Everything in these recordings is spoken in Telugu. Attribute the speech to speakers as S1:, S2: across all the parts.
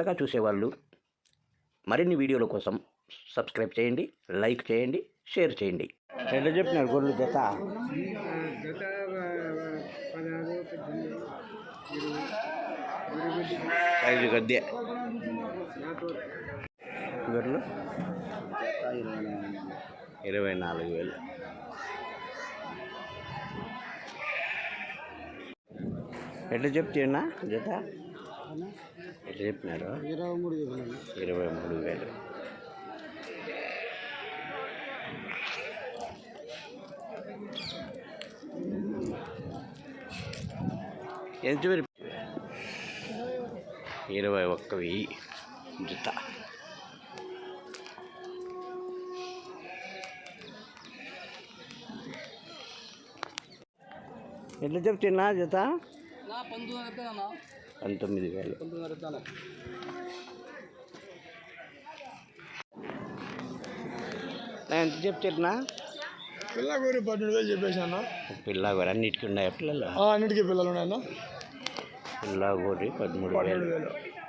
S1: కొత్తగా చూసేవాళ్ళు మరిన్ని వీడియోల కోసం సబ్స్క్రైబ్ చేయండి, లైక్ చేయండి, షేర్ చేయండి. ఎట్లా చెప్పినారు గొర్రెలు జత? 5 గద్దె గొర్రెలు 24,000. ఎట్లా చెప్తున్నా జత? ఎట్లా చెప్పినారు? 23,000. ఎంత 21,000 జత. ఎట్లా చెప్తున్నా జత? 19,000. ఎంత చెప్తున్నా?
S2: పిల్లగూరి 12,000 చెప్పేసాను.
S1: పిల్లగూరి అన్నిటికీ ఉన్నాయి పిల్లలు?
S2: అన్నిటికీ పిల్లలు ఉన్నాయన్న.
S1: పిల్లగూరి 13,000.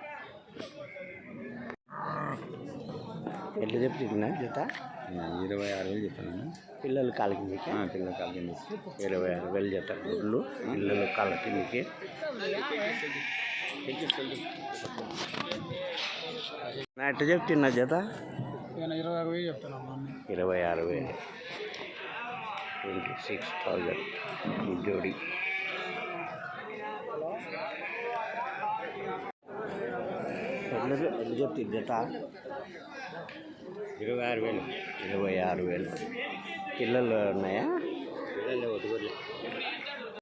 S1: ఎట్లా చెప్తున్నా జత?
S2: 26,000 చెప్పాను.
S1: పిల్లలు కాళ్ళ కిందకి?
S2: పిల్లల కాళ్ళ కింద
S1: 26,000 జత గుడ్లు పిల్లలు కాళ్ళ కిందకి. ఎట్లా చెప్తున్నా జత?
S2: 26,000 చెప్తాను.
S1: 26,000. 26,000 జోడి. ఎట్లా చెప్తుంది జత?
S2: 26,000.
S1: 26,000. పిల్లలు ఉన్నాయా?
S2: పిల్లలు ఒకటి